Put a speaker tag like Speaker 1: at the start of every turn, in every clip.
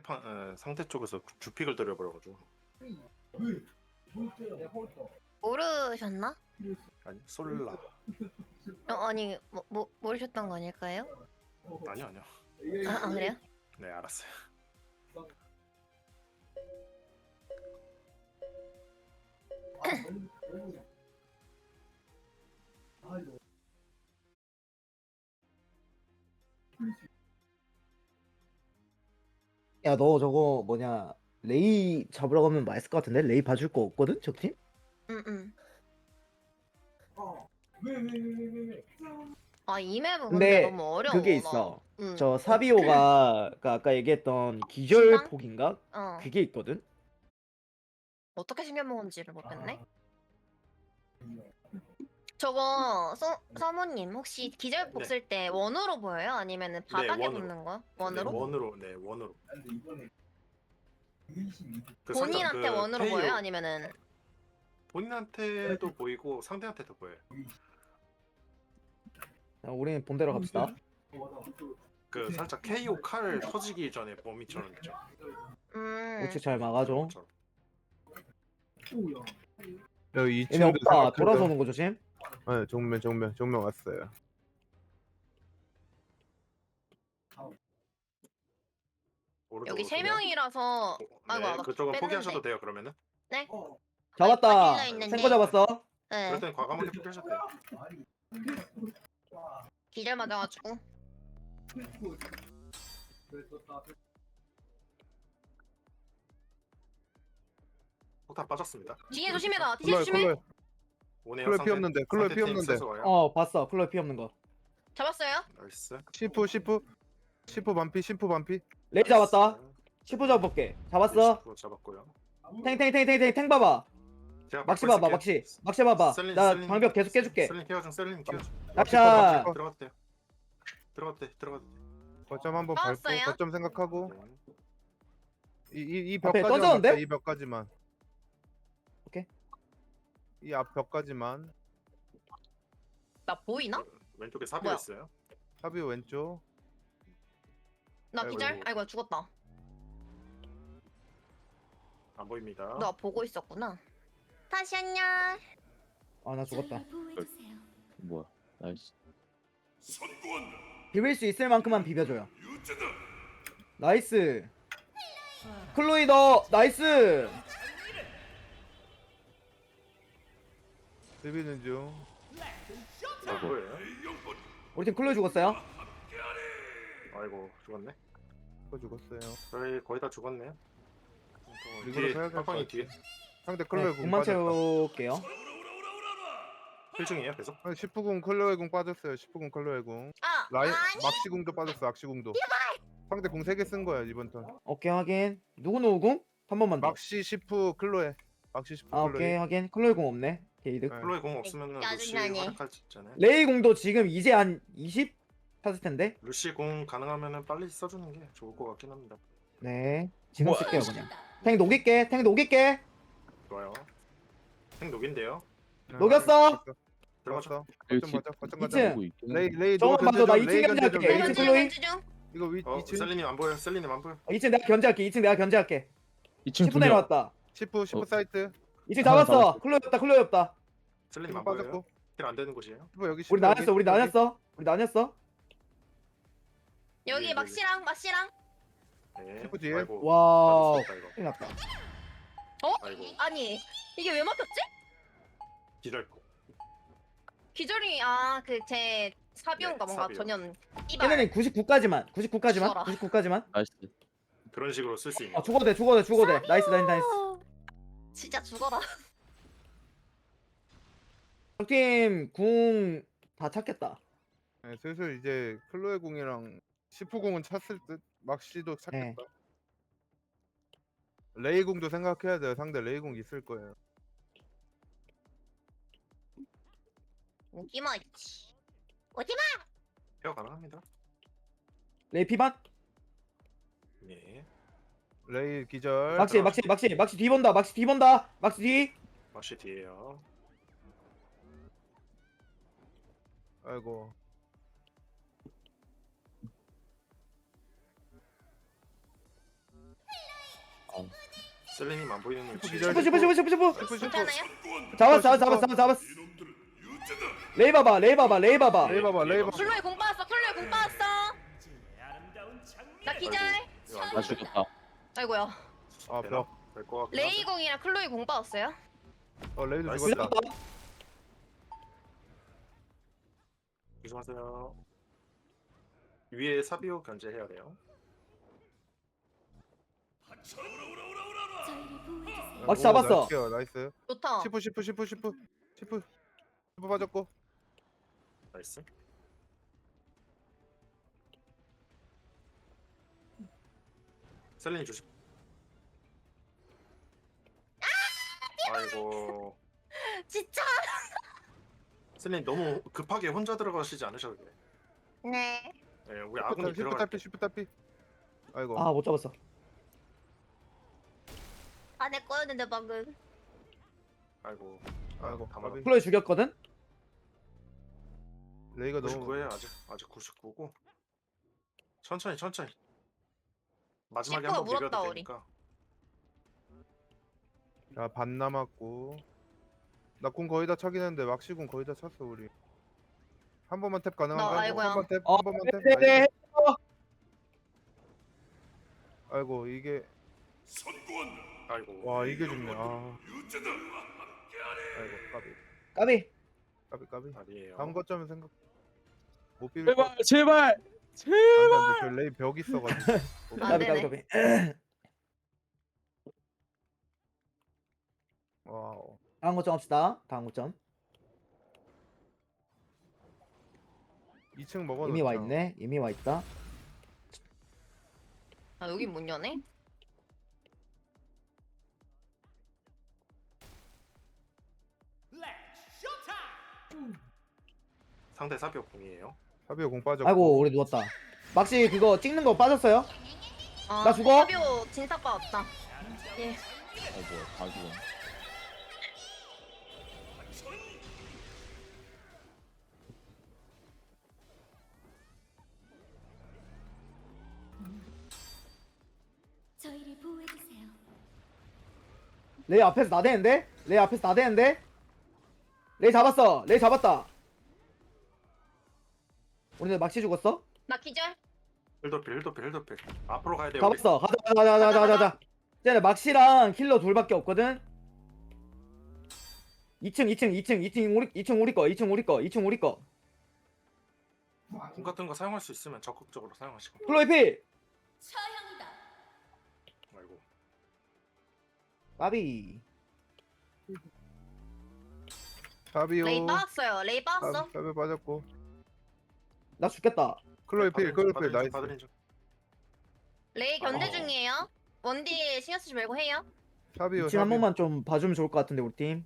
Speaker 1: 상대 쪽에서 주픽을 때려버려가지고.
Speaker 2: 모르셨나?
Speaker 1: 아니 솔라.
Speaker 2: 아니 모르셨던 거 아닐까요?
Speaker 1: 아니요.
Speaker 2: 아 그래요?
Speaker 1: 네 알았어요.
Speaker 3: 야, 너 저거 뭐냐, 레이 잡으러 가면 맛있을 것 같은데? 레이 봐줄 거 없거든, 적팀?
Speaker 2: 응응. 아 이 맵은 근데
Speaker 3: 근데
Speaker 2: 너무 어려워.
Speaker 3: 그게
Speaker 2: 나.
Speaker 3: 있어.
Speaker 2: 응.
Speaker 3: 저 사비오가 그 아까 얘기했던 기절폭인가?
Speaker 2: 어.
Speaker 3: 그게 있거든?
Speaker 2: 어떻게 생겨 먹은지를 모르겠네. 저거 서모님 혹시 기절복
Speaker 1: 네.
Speaker 2: 쓸 때 원으로 보여요? 아니면은 바닥에
Speaker 1: 원으로.
Speaker 2: 붙는 거?
Speaker 1: 네,
Speaker 2: 원으로?
Speaker 1: 원으로. 그
Speaker 2: 본인한테
Speaker 1: 살짝 그
Speaker 2: 원으로
Speaker 1: K로
Speaker 2: 보여요? 아니면은
Speaker 1: 본인한테도 보이고 상대한테도 보여요.
Speaker 3: 자, 우리는 본대로 갑시다.
Speaker 1: 그 살짝 KO 칼 터지기 전에 범위처럼 있죠.
Speaker 3: 우측 잘 막아줘.
Speaker 1: 그것처럼.
Speaker 4: 여기
Speaker 3: 얘네
Speaker 4: 2층도
Speaker 3: 없다. 돌아서 오는 거 조심.
Speaker 4: 네, 정면 왔어요.
Speaker 2: 여기
Speaker 1: 오른쪽으로
Speaker 2: 세
Speaker 1: 그냥.
Speaker 2: 명이라서 아이고
Speaker 1: 네,
Speaker 2: 나
Speaker 1: 그쪽은
Speaker 2: 뺐는데.
Speaker 1: 포기하셔도 돼요 그러면은.
Speaker 2: 네?
Speaker 3: 잡았다.
Speaker 2: 빠질라 했는데.
Speaker 3: 생거 잡았어.
Speaker 2: 네.
Speaker 1: 그럴 땐 과감하게 포기하셔도 돼요.
Speaker 2: 기절 맞아가지고.
Speaker 1: 폭탄 빠졌습니다.
Speaker 2: 뒤에 조심해라. 뒤에 조심해.
Speaker 1: 오네요.
Speaker 4: 클로에
Speaker 1: 상대-
Speaker 4: 피 없는데, 클로에
Speaker 1: 상대
Speaker 4: 피
Speaker 1: 팀
Speaker 4: 없는데.
Speaker 1: 센서 와요.
Speaker 3: 봤어. 클로에 피 없는 거.
Speaker 2: 잡았어요?
Speaker 1: 나이스.
Speaker 4: 시프 반피.
Speaker 3: 레이 잡았다. 10호 잡아볼게. 잡았어.
Speaker 1: 잡았고요.
Speaker 3: 탱 봐봐.
Speaker 1: 제가
Speaker 3: 막시
Speaker 1: 막고
Speaker 3: 봐봐.
Speaker 1: 있을게요.
Speaker 3: 막시 봐봐.
Speaker 1: 셀린,
Speaker 3: 나
Speaker 1: 셀린.
Speaker 3: 방벽 계속 깨줄게.
Speaker 1: 셀린 케어 중.
Speaker 3: 낙샷.
Speaker 1: 들어갔대. 들어갔대.
Speaker 4: 거점 한번
Speaker 2: 나왔어요?
Speaker 4: 밟고 거점 생각하고 이
Speaker 3: 앞에
Speaker 4: 벽까지만
Speaker 3: 던졌는데?
Speaker 4: 막자, 이 벽까지만.
Speaker 3: 오케이.
Speaker 4: 이 앞 벽까지만.
Speaker 2: 나 보이나?
Speaker 1: 왼쪽에 사비가
Speaker 2: 뭐야?
Speaker 1: 있어요.
Speaker 4: 사비 왼쪽.
Speaker 2: 나
Speaker 1: 아이고.
Speaker 2: 기절? 아이고 죽었다.
Speaker 1: 안 보입니다.
Speaker 2: 너 보고 있었구나. 다시 안녕.
Speaker 3: 나 죽었다.
Speaker 5: 뭐야? 나이스.
Speaker 3: 비빌 수 있을 만큼만 비벼줘요. 나이스. 클로이 너 나이스.
Speaker 4: 비비는 중.
Speaker 1: 안 보여요?
Speaker 3: 우리 팀 클로이 죽었어요.
Speaker 1: 아이고 죽었네.
Speaker 4: 죽었어요.
Speaker 1: 저희 거의 다 죽었네요.
Speaker 4: 이거로
Speaker 1: 뒤에
Speaker 4: 해야 될것
Speaker 1: 팡팡이
Speaker 4: 같아.
Speaker 1: 뒤에
Speaker 4: 상대 클로에
Speaker 3: 네,
Speaker 4: 공
Speaker 3: 공만
Speaker 4: 빠졌다.
Speaker 3: 채울게요.
Speaker 1: 필중이에요 계속.
Speaker 4: 10분 클로에 공 빠졌어요. 10분 클로에 공.
Speaker 2: 아
Speaker 4: 라인
Speaker 2: 아니.
Speaker 4: 막시공도 빠졌어. 막시공도. 상대 공 3개 쓴 거야 이번 턴.
Speaker 3: 오케이 확인. 누구 공? 한 번만 더.
Speaker 4: 막시 10프 클로에. 막시 10프
Speaker 3: 오케이
Speaker 4: 클로에.
Speaker 3: 확인. 클로이 공 없네. 게이드.
Speaker 4: 네.
Speaker 1: 클로이 공 없으면은 루시
Speaker 2: 짜증나네.
Speaker 1: 활약할 수 있잖아요.
Speaker 3: 레이 공도 지금 이제 한 20 탔을 텐데.
Speaker 1: 루시 공 가능하면은 빨리 써주는 게 좋을 것 같긴 합니다.
Speaker 3: 네. 지금 쓸게요 그냥. 탱 녹일게.
Speaker 1: 좋아요. 생 녹인데요.
Speaker 4: 네,
Speaker 3: 녹였어.
Speaker 1: 들어가죠.
Speaker 4: 거점 가자. 거점 가자.
Speaker 3: 이층.
Speaker 5: 보고 있긴
Speaker 4: 레이
Speaker 5: 한데.
Speaker 4: 레이
Speaker 3: 저거
Speaker 4: 누구
Speaker 3: 봐줘, 나
Speaker 4: 견제 좀,
Speaker 3: 2층
Speaker 4: 레이
Speaker 3: 견제할게.
Speaker 4: 견제 좀,
Speaker 3: 이층
Speaker 4: 레이
Speaker 3: 클로이?
Speaker 4: 이거 위 2층
Speaker 1: 셀리님 안 보여. 셀리님 안 보여.
Speaker 3: 2층 내가 견제할게. 2층 내가 견제할게.
Speaker 5: 2층
Speaker 3: 10분 내려왔다.
Speaker 4: 10프 사이트.
Speaker 3: 2층 잡았어.
Speaker 5: 잡았어.
Speaker 3: 클로이 없다.
Speaker 1: 셀리님
Speaker 4: 10프
Speaker 1: 안 보여요.
Speaker 4: 빠졌고.
Speaker 1: 힐안 되는 곳이에요.
Speaker 4: 10프 여기 10프
Speaker 3: 우리 나뉘었어.
Speaker 2: 여기
Speaker 1: 네,
Speaker 2: 막시랑.
Speaker 1: 네.
Speaker 4: 슈퍼 뒤에.
Speaker 1: 아이고.
Speaker 3: 와우.
Speaker 1: 빠졌다, 이거.
Speaker 3: 큰일 났다.
Speaker 1: 아이고.
Speaker 2: 아니 이게 왜 막혔지?
Speaker 1: 기절.
Speaker 2: 기절이 그 제 사비온가
Speaker 1: 네,
Speaker 2: 뭔가
Speaker 1: 사비온.
Speaker 2: 전혀
Speaker 3: 걔네는 99까지만.
Speaker 2: 죽어라.
Speaker 3: 99까지만.
Speaker 5: 나이스.
Speaker 1: 그런 식으로 쓸 수 있는.
Speaker 3: 죽어도 돼. 나이스.
Speaker 2: 진짜 죽어라.
Speaker 3: 적팀 궁 다 찾겠다.
Speaker 4: 네, 슬슬 이제 클로에 공이랑 10프 공은 찼을 듯. 막시도 찾겠다. 레이 공도 생각해야 돼요. 상대 레이 공 있을 거예요.
Speaker 2: 오기마 있지. 오지마.
Speaker 1: 케어 가능합니다.
Speaker 3: 레이 피반?
Speaker 1: 예.
Speaker 4: 레이 기절.
Speaker 3: 막시 뒤 본다. 막시 뒤.
Speaker 1: 마시 뒤에요.
Speaker 4: 아이고.
Speaker 1: 셀레님 안 보이는 위치.
Speaker 4: 기절.
Speaker 3: 슈프.
Speaker 2: 괜찮아요?
Speaker 3: 잡았어. 레이 봐봐.
Speaker 4: 레이 봐봐.
Speaker 3: 네.
Speaker 2: 클로이 공 빠졌어. 클로이 공 빠졌어. 나 기절.
Speaker 5: 나 죽였다.
Speaker 2: 아이고야.
Speaker 4: 아 벽.
Speaker 1: 될것 같긴
Speaker 2: 레이
Speaker 1: 한데.
Speaker 2: 공이랑 클로이 공 빠졌어요.
Speaker 4: 레이도
Speaker 1: 나이스.
Speaker 4: 죽었다.
Speaker 1: 조심하세요. 위에 사비오 견제해야 돼요.
Speaker 3: 막시 잡았어.
Speaker 4: 나이스.
Speaker 2: 좋다.
Speaker 4: 시프 빠졌고.
Speaker 1: 나이스. 셀레님 조심. 아이고.
Speaker 2: 진짜.
Speaker 1: 셀레님 너무 급하게 혼자 들어가시지 않으셔도 돼요.
Speaker 2: 네.
Speaker 1: 네, 우리 아군이
Speaker 4: 시프
Speaker 1: 들어갈
Speaker 4: 탈피
Speaker 1: 때.
Speaker 4: 시프 탈피. 아이고.
Speaker 3: 아 못 잡았어.
Speaker 2: 안에 꺼였는데 방금.
Speaker 1: 아이고.
Speaker 4: 아이고,
Speaker 1: 다
Speaker 4: 까비.
Speaker 1: 맞았.
Speaker 3: 클로이 죽였거든.
Speaker 4: 레이가 너무
Speaker 1: 99에요 아직 99고. 천천히. 마지막에
Speaker 2: 시프가
Speaker 1: 한번
Speaker 2: 물었다,
Speaker 1: 비벼도
Speaker 2: 우리.
Speaker 1: 되니까.
Speaker 4: 반 남았고. 나 궁 거의 다 차긴 했는데 막시궁 거의 다 찼어 우리. 한 번만 탭 가능한가?
Speaker 2: 아이고야.
Speaker 4: 한 번 탭.
Speaker 3: 어,
Speaker 4: 한 번만 탭.
Speaker 3: 네네.
Speaker 4: 아이고 이게
Speaker 1: 아이고.
Speaker 4: 와 이게 죽네. 아. 아이고
Speaker 3: 까비.
Speaker 1: 아니에요.
Speaker 4: 다음 거점은 생각 못 비빌 거.
Speaker 5: 제발.
Speaker 4: 안돼 저 레이 벽 있어가지고.
Speaker 2: 안 되네.
Speaker 3: 까비.
Speaker 4: 와우.
Speaker 3: 다음 거점 합시다. 다음 거점.
Speaker 4: 2층 먹어.
Speaker 3: 이미 와 있네. 이미 와 있다.
Speaker 2: 아 여기 문 여네?
Speaker 1: 상대 사비오 공이에요.
Speaker 4: 사비오 공 빠졌고.
Speaker 3: 아이고 우리 누웠다. 막시 그거 찍는 거 빠졌어요?
Speaker 2: 아,
Speaker 3: 나 죽어?
Speaker 2: 사비오 진사빠 없다. 예.
Speaker 5: 아이고 다 죽어.
Speaker 6: 저희를 보호해주세요.
Speaker 3: 레이 앞에서 나대는데? 레이 잡았다. 우리네 막시 죽었어?
Speaker 2: 나 기절.
Speaker 1: 힐도필. 앞으로 가야 돼요.
Speaker 3: 잡았어. 가자. 이제 막시랑 킬러 둘밖에 없거든. 2층 우리 거.
Speaker 1: 궁 같은 거 사용할 수 있으면 적극적으로 사용하시고.
Speaker 3: 클로이 필.
Speaker 6: 처형이다.
Speaker 1: 아이고.
Speaker 3: 까비.
Speaker 4: 사비오.
Speaker 2: 레이 빠졌어요. 레이 빠졌어.
Speaker 4: 사비오 빠졌고.
Speaker 3: 나 죽겠다.
Speaker 4: 클로이 필 나이스.
Speaker 1: 받으린 중.
Speaker 2: 레이 견제 중이에요. 원디 신경 쓰지 말고 해요.
Speaker 4: 사비오.
Speaker 3: 2층 한 번만 좀 봐주면 좋을 것 같은데 우리 팀.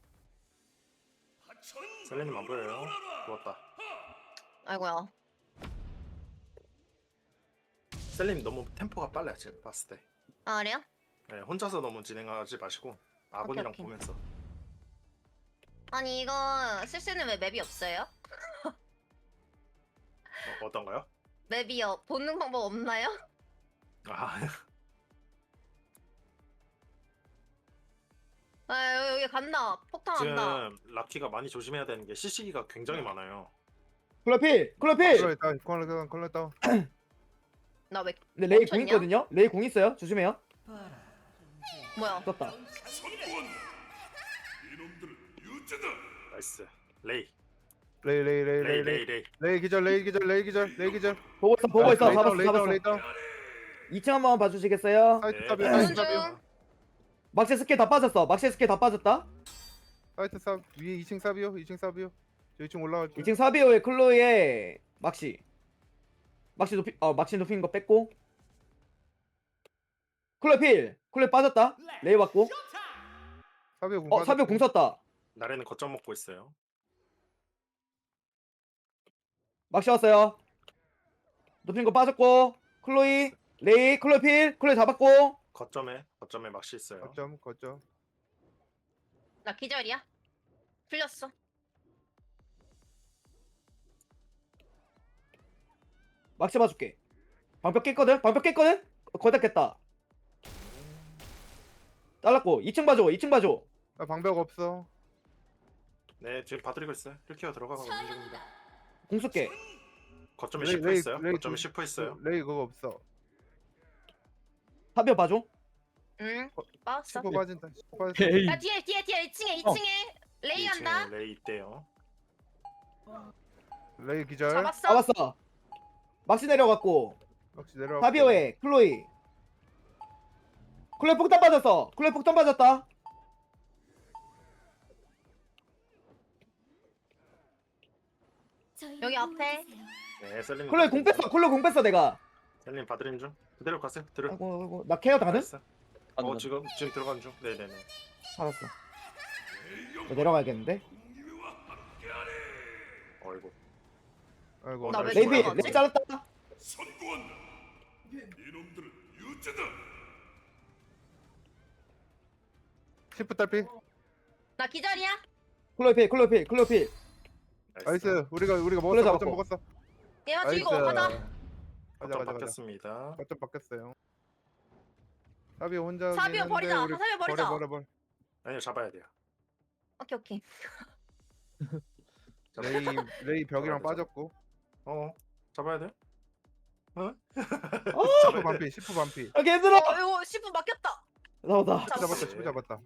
Speaker 1: 셀레님 안 보여요. 좋았다.
Speaker 2: 아이고야.
Speaker 1: 셀레님 너무 템포가 빨라요. 제가 봤을 때.
Speaker 2: 아 그래요?
Speaker 1: 네, 혼자서 너무 진행하지 마시고 아군이랑
Speaker 2: 오케이.
Speaker 1: 보면서.
Speaker 2: 아니 이거 쓸 수 있는 왜 맵이 없어요?
Speaker 1: 어떤가요?
Speaker 2: 맵이요. 보는 방법 없나요?
Speaker 1: 아,
Speaker 2: 아 여기 간다. 폭탄 간다.
Speaker 1: 지금 락키가 많이 조심해야 되는 게 CC기가 굉장히 많아요.
Speaker 3: 클로이 필.
Speaker 4: 컬러 다운.
Speaker 2: 나 왜
Speaker 3: 근데 레이
Speaker 2: 멈췄냐?
Speaker 3: 공 있거든요. 레이 공 있어요. 조심해요.
Speaker 2: 뭐야?
Speaker 3: 떴다.
Speaker 1: 나이스. 레이.
Speaker 4: 레이 기절.
Speaker 3: 보고 있어.
Speaker 4: 레이 다운,
Speaker 3: 잡았어.
Speaker 4: 레이 다운.
Speaker 3: 2층 한 번만 봐주시겠어요?
Speaker 4: 사이트
Speaker 1: 네.
Speaker 4: 사비오.
Speaker 2: 보는
Speaker 4: 사이트 사비오.
Speaker 2: 중.
Speaker 3: 막시 스킬 다 빠졌다.
Speaker 4: 사이트 사 위에 2층 사비오. 저 2층 올라갈게.
Speaker 3: 2층 사비오의 클로이의 막시 높인 거 뺐고. 클로이 빠졌다. 레이 왔고.
Speaker 4: 사비오 공.
Speaker 3: 사비오 공 썼다.
Speaker 1: 나래는 거점 먹고 있어요.
Speaker 3: 막시 왔어요. 높인 거 빠졌고. 클로이 클로이 잡았고.
Speaker 1: 거점에 막시 있어요.
Speaker 4: 거점.
Speaker 2: 나 기절이야. 풀렸어.
Speaker 3: 막시 봐줄게. 방벽 깼거든. 거의 다 깼다. 잘랐고 2층 봐줘 2층 봐줘.
Speaker 4: 나 방벽 없어.
Speaker 1: 네 지금 봐드리고 있어요. 1케어 들어가고 있는 중입니다.
Speaker 6: 처형이다.
Speaker 3: 공 쏠게.
Speaker 1: 거점에
Speaker 4: 레이,
Speaker 1: 10%
Speaker 4: 레이,
Speaker 1: 있어요.
Speaker 4: 레이
Speaker 1: 거점에
Speaker 4: 두-
Speaker 1: 10% 있어요.
Speaker 4: 레이 그거 없어.
Speaker 3: 사비오 봐줘.
Speaker 2: 응. 빠졌어.
Speaker 4: 10% 빠진다. 10% 빠진다.
Speaker 5: 헤이.
Speaker 2: 야 뒤에 2층에 레이 간다.
Speaker 1: 2층에 레이 있대요.
Speaker 4: 레이 기절.
Speaker 2: 잡았어.
Speaker 3: 잡았어. 막시 내려갔고
Speaker 4: 역시 내려와.
Speaker 3: 사비오에 클로이. 클로이 폭탄 빠졌어. 클로이 폭탄 빠졌다.
Speaker 6: 저희
Speaker 2: 여기 앞에.
Speaker 6: 도와주세요.
Speaker 1: 네 셀린.
Speaker 3: 클로이 공 뺐어. 클로이 공 뺐어 내가.
Speaker 1: 셀린 봐드림 중. 그대로 가세요. 들어.
Speaker 3: 아이고 아이고 나 케어 가능?
Speaker 1: 나이스. 지금 들어가는 중. 네네네.
Speaker 3: 알았어. 나 내려가야겠는데.
Speaker 1: 어이구.
Speaker 4: 아이고.
Speaker 2: 나왜
Speaker 3: 레이비
Speaker 2: 돌아가지?
Speaker 3: 레이 잘랐다.
Speaker 4: 시프 딸피.
Speaker 2: 나 기절이야.
Speaker 3: 클로이 필 클로이 필 클로이 필.
Speaker 4: 나이스. 우리가
Speaker 3: 그래,
Speaker 4: 먹었어.
Speaker 3: 잡았고.
Speaker 4: 거점 먹었어.
Speaker 2: 얘만
Speaker 4: 나이스.
Speaker 2: 죽이고 가자.
Speaker 4: 가자
Speaker 1: 거점
Speaker 4: 가자 가자.
Speaker 1: 바뀌었습니다.
Speaker 4: 거점 바뀌었어요. 사비오 혼자.
Speaker 2: 사비오 버리자. 사비오 버리자.
Speaker 4: 버려.
Speaker 1: 아니요 잡아야 돼요.
Speaker 2: 오케이.
Speaker 4: 레이 벽이랑 빠졌고.
Speaker 1: 잡아야 돼?
Speaker 4: 시프 반피. 시프 반피.
Speaker 3: 아 개들어.
Speaker 2: 이거 10분 막혔다.
Speaker 3: 나오다.
Speaker 4: 잡았다. 시프 잡았다.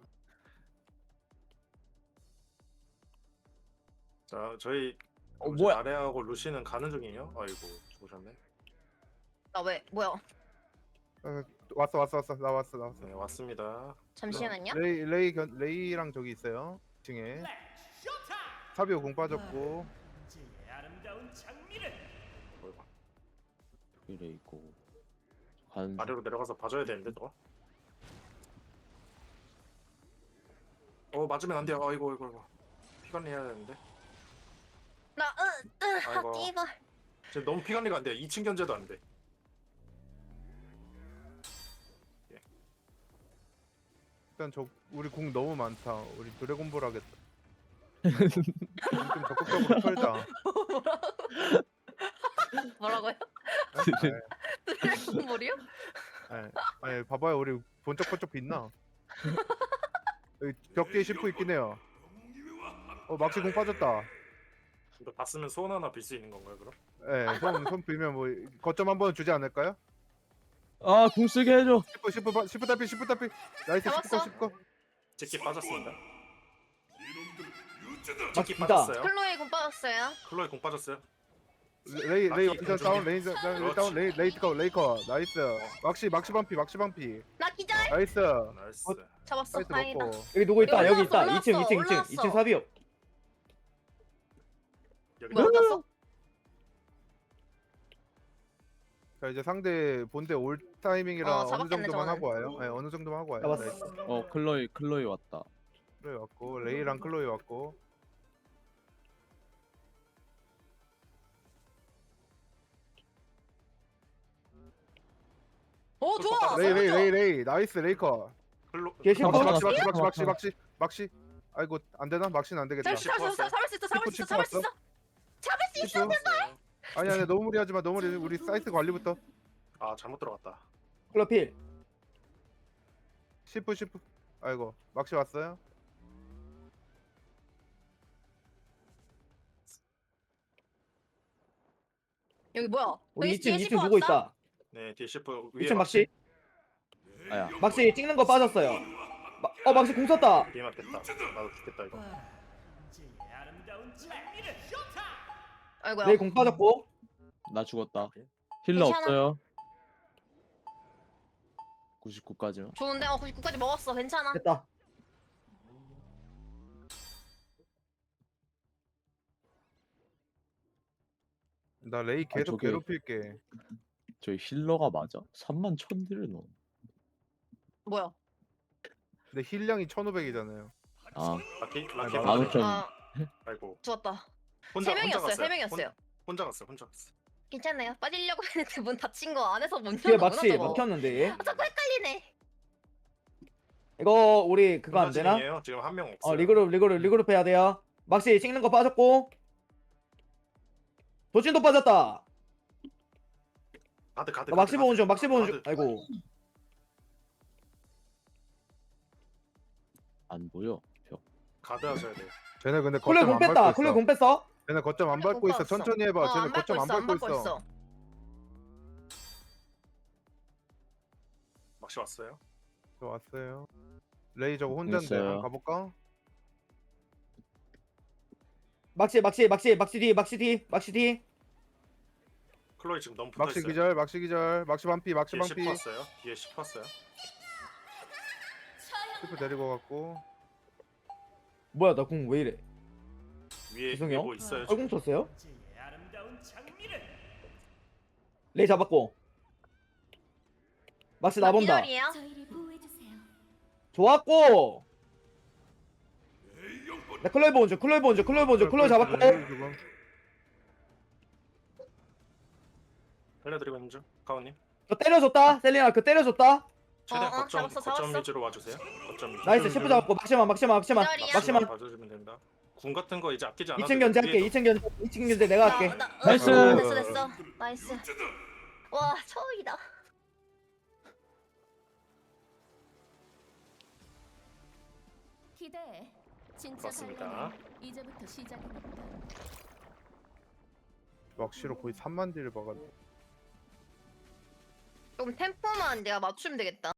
Speaker 1: 자 저희
Speaker 5: 뭐야?
Speaker 1: 아레하고 루시는 가는 중이에요. 아이고 죽으셨네.
Speaker 2: 나 왜 뭐야?
Speaker 4: 왔어. 나 왔어.
Speaker 1: 네 왔습니다.
Speaker 2: 잠시만요.
Speaker 4: 레이랑 저기 있어요. 2층에. 사비오 공 빠졌고.
Speaker 1: 어이구.
Speaker 5: 이래 있고. 간.
Speaker 1: 아래로 내려가서 봐줘야 되는데 저거. 맞으면 안 돼요. 아이고. 피관리 해야 되는데.
Speaker 2: 나
Speaker 1: 아이고.
Speaker 2: 이거
Speaker 1: 지금 너무 피관리가 안 돼요. 2층 견제도 안 돼.
Speaker 4: 일단 우리 공 너무 많다. 우리 드래곤볼 하겠다. 좀 적극적으로 털자.
Speaker 2: 뭐라고요? 드래곤볼이요?
Speaker 4: 아니 봐봐요. 우리 번쩍번쩍 빛나. 여기 벽 뒤에 시프 있긴 해요. 막시 공 빠졌다.
Speaker 1: 이거 봤으면 소원 하나 빌 수 있는 건가요 그럼?
Speaker 4: 예, 손 빌면 뭐 거점 한번 주지 않을까요?
Speaker 5: 아, 공 쓰게 해줘.
Speaker 4: 시프 딸피. 나이스.
Speaker 2: 잡았어.
Speaker 4: 시프
Speaker 1: 제끼 빠졌습니다.
Speaker 3: 아,
Speaker 1: 제끼
Speaker 3: 진짜.
Speaker 1: 빠졌어요.
Speaker 2: 클로이 공 빠졌어요.
Speaker 1: 클로이 공 빠졌어요.
Speaker 4: 레이 완전 다운. 레이
Speaker 1: 그렇지.
Speaker 4: 다운. 레이커. 나이스. 막시 반피.
Speaker 2: 나 기절.
Speaker 4: 나이스.
Speaker 1: 나이스.
Speaker 2: 잡았어.
Speaker 4: 나이스
Speaker 2: 다행이다.
Speaker 4: 먹고.
Speaker 3: 여기 누구 있다. 여기 있다.
Speaker 2: 올라왔어,
Speaker 3: 2층 사비오.
Speaker 1: 여기
Speaker 2: 뭐 어땠어?
Speaker 4: 자 이제 상대 본대 올 타이밍이라 어느
Speaker 2: 잡았겠네,
Speaker 4: 정도만
Speaker 2: 저거는.
Speaker 4: 하고 와요. 네, 어느 정도만 하고 와요.
Speaker 3: 잡았어.
Speaker 4: 나이스.
Speaker 5: 클로이 왔다.
Speaker 4: 클로이 왔고 레이랑 클로이 왔고.
Speaker 2: 오 좋아.
Speaker 4: 레이 나이스 레이커.
Speaker 1: 클로
Speaker 3: 걔 시프
Speaker 4: 막시. 아이고 안 되나? 막시는 안 되겠다.
Speaker 2: 잡을 수 있어. 잡을 수 있어.
Speaker 4: 시프. 아니 너무 무리하지 마. 너무 무리. 우리 사이트 관리부터.
Speaker 1: 아 잘못 들어갔다.
Speaker 3: 클로이 필.
Speaker 4: 시프. 아이고 막시 왔어요.
Speaker 2: 여기 뭐야?
Speaker 3: 우리
Speaker 2: 여기 뒤에
Speaker 3: 2층
Speaker 2: 시프
Speaker 3: 누구
Speaker 2: 왔다?
Speaker 3: 있다.
Speaker 1: 네 뒤에 셰프 위에
Speaker 3: 2층 막시.
Speaker 5: 아야.
Speaker 3: 막시 찍는 거 빠졌어요. 막시 공 썼다.
Speaker 1: 뒤에 맞겠다. 나도 죽겠다 이거.
Speaker 2: 아이고야.
Speaker 3: 레이 공 빠졌고.
Speaker 5: 나 죽었다. 힐러
Speaker 2: 괜찮아.
Speaker 5: 없어요. 99까지만.
Speaker 2: 좋은데 99까지 먹었어. 괜찮아.
Speaker 3: 됐다.
Speaker 4: 나 레이 계속
Speaker 5: 저게-
Speaker 4: 괴롭힐게.
Speaker 5: 저희 힐러가 맞아? 31,000딜을 넣어.
Speaker 2: 뭐야?
Speaker 4: 근데 힐량이 1,500이잖아요.
Speaker 5: 아,
Speaker 1: 라키
Speaker 4: 아,
Speaker 1: 라키
Speaker 4: 아,
Speaker 1: 빠졌네.
Speaker 5: 15,000.
Speaker 2: 아
Speaker 1: 아이고.
Speaker 2: 좋았다.
Speaker 1: 혼자
Speaker 2: 3명이었어요.
Speaker 1: 갔어요.
Speaker 2: 3명이었어요.
Speaker 1: 혼자 갔어.
Speaker 2: 괜찮아요. 빠지려고 했는데 문 닫힌 거 안에서 문
Speaker 3: 뒤에
Speaker 2: 열었구나
Speaker 3: 막시
Speaker 2: 저거.
Speaker 3: 막혔는데 얘.
Speaker 2: 아 자꾸 헷갈리네.
Speaker 3: 이거 우리 그거 안 되나?
Speaker 1: 중이에요. 지금 한 명 없어요.
Speaker 3: 리그룹 해야 돼요. 막시 찍는 거 빠졌고. 도진도 빠졌다.
Speaker 1: 가드.
Speaker 3: 막시 보는 중. 아이고.
Speaker 5: 안 보여. 벽.
Speaker 1: 가드 하셔야 돼요.
Speaker 4: 쟤네 근데
Speaker 3: 콜레
Speaker 4: 거점
Speaker 3: 공
Speaker 4: 안
Speaker 3: 뺐다.
Speaker 4: 밟고
Speaker 3: 콜레
Speaker 4: 있어.
Speaker 3: 공 뺐어.
Speaker 4: 쟤네 거점 안 밟고 있어. 천천히 해봐. 쟤네
Speaker 2: 안
Speaker 4: 거점 안 밟고 있어.
Speaker 1: 막시 왔어요.
Speaker 4: 저 왔어요. 레이 저거 혼자인데
Speaker 5: 있어요.
Speaker 4: 한번 가볼까?
Speaker 3: 막시 뒤.
Speaker 1: 클로이 지금 너무 붙어
Speaker 4: 막시
Speaker 1: 있어요.
Speaker 4: 기절, 막시 기절, 막시 반피, 막시
Speaker 1: 뒤에 10
Speaker 4: 반피.
Speaker 1: 왔어요. 뒤에 10 왔어요.
Speaker 4: 스프 데리고 갔고.
Speaker 3: 뭐야 나 공 왜 이래?
Speaker 1: 위에
Speaker 3: 죄송해요.
Speaker 1: 뭐 있어요.
Speaker 3: 얼공
Speaker 1: 지금.
Speaker 3: 쳤어요? 레이 잡았고. 막시 나본다.
Speaker 2: 기절이에요.
Speaker 6: 저희를 보호해 주세요.
Speaker 3: 좋았고. 나 클로이 본주. 클로이 잡았고.
Speaker 4: 지금.
Speaker 1: 살려드리고 있는 중. 가온님.
Speaker 3: 그 때려줬다. 셀리나 그 때려줬다.
Speaker 1: 최대한 거점
Speaker 2: 잡았어.
Speaker 1: 위주로 와주세요. 거점 위주.
Speaker 3: 나이스 셰프 잡았고 막시만.
Speaker 2: 기다리야.
Speaker 3: 막시만.
Speaker 1: 봐주시면 됩니다. 궁 같은 거 이제 아끼지 않아도
Speaker 3: 2층 견제할게.
Speaker 1: 위에도
Speaker 3: 2층 견제 내가 할게.
Speaker 5: 나이스.
Speaker 2: 됐어. 나이스. 와 처음이다.
Speaker 6: 기대해. 진짜
Speaker 1: 그렇습니다.
Speaker 6: 달려라. 이제부터 시작이니까.
Speaker 4: 막시로 거의 3만 딜을 박았네.
Speaker 2: 좀 템포만 내가 맞추면 되겠다.